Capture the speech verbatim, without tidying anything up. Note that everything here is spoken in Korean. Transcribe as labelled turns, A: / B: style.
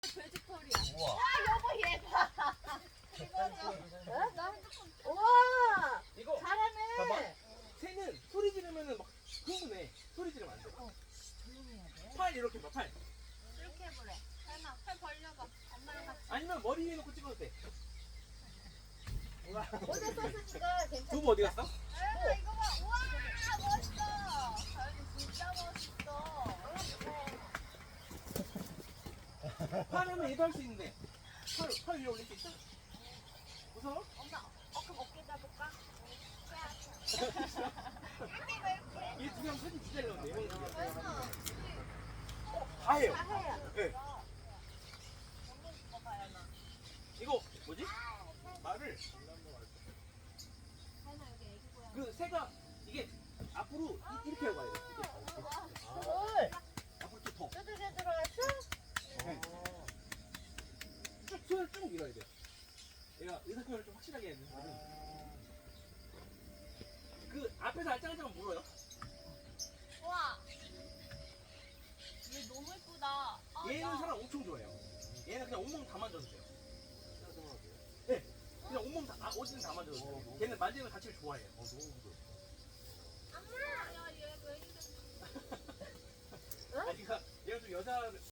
A: 돼지털이야.
B: 우와.
A: 여보 얘 봐. 우와
C: 이거
A: 잘하네.
C: 봐봐. 새는 소리 지르면은 막 흥분해. 소리 지르면 안 돼.
A: 조용히 해야 돼.
C: 팔 이렇게 봐, 팔.
A: 이렇게 해보래. 설마 팔 벌려봐. 엄마랑 같이.
C: 아니면 머리 위에 놓고 찍어도 돼. 우와.
A: 모자 썼으니까 괜찮아.
C: 두부 어디 갔어?
A: 아 이거 봐. 우와 멋있어. 자연이 진짜 멋있어.
C: 팔 하면 얘도 할 수 있는데. 팔, 팔 위에 올릴 수 있어? 무서워?
A: 엄마 어 그럼 어깨 잡을까?
C: 얘 두 명 사진 진짜 잘 나온대.
A: 그래서
C: 다 해요.
A: 다 해요.
C: 네. 이거 뭐지? 말을 그 새가 이게 앞으로 이- 이렇게 하고 가야 돼. 이게.
A: 뭘?
C: 앞으로 쭉 더.
A: 두들겨 들어갔어?
C: 쭉 손을 쭉 밀어야 돼. 얘가 의사표현을 좀 확실하게 해야 돼. 그 앞에서 알짱알짱 물어요.
A: 와. 얘 너무 예쁘다. 아,
C: 얘는
A: 야.
C: 사람 엄청 좋아해요. 얘는 그냥 온몸 다 만져도 돼요. 네. 그냥 온몸 다, 아, 어디든 다 만져도 돼요. 걔는 만지는 걸 자체를 좋아해요. 어, 너무 부드러워.
A: 야, 얘 왜 이래?
C: 아니, 그러니까 얘가 좀 여자